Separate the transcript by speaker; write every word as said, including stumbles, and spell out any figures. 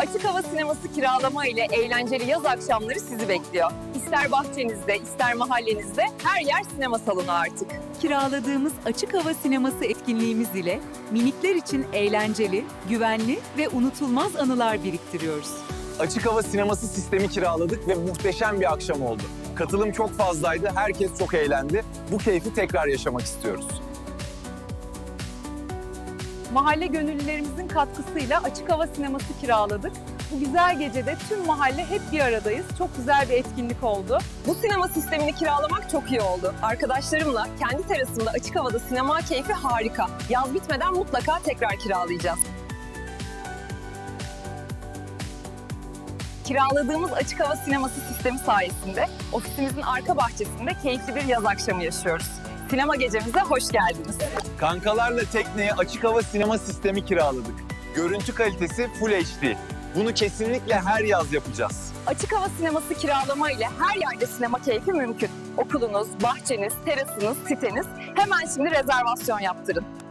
Speaker 1: Açık hava sineması kiralama ile eğlenceli yaz akşamları sizi bekliyor. İster bahçenizde, ister mahallenizde her yer sinema salonu artık.
Speaker 2: Kiraladığımız açık hava sineması etkinliğimiz ile minikler için eğlenceli, güvenli ve unutulmaz anılar biriktiriyoruz.
Speaker 3: Açık hava sineması sistemi kiraladık ve muhteşem bir akşam oldu. Katılım çok fazlaydı, herkes çok eğlendi. Bu keyfi tekrar yaşamak istiyoruz.
Speaker 1: Mahalle gönüllülerimizin katkısıyla açık hava sineması kiraladık. Bu güzel gecede tüm mahalle hep bir aradayız. Çok güzel bir etkinlik oldu. Bu sinema sistemini kiralamak çok iyi oldu. Arkadaşlarımla kendi terasımda açık havada sinema keyfi harika. Yaz bitmeden mutlaka tekrar kiralayacağız. Kiraladığımız açık hava sineması sistemi sayesinde ofisimizin arka bahçesinde keyifli bir yaz akşamı yaşıyoruz. Sinema gecemize hoş geldiniz.
Speaker 3: Kankalarla tekneye açık hava sinema sistemi kiraladık. Görüntü kalitesi Full H D. Bunu kesinlikle her yaz yapacağız.
Speaker 1: Açık hava sineması kiralama ile her yerde sinema keyfi mümkün. Okulunuz, bahçeniz, terasınız, siteniz, hemen şimdi rezervasyon yaptırın.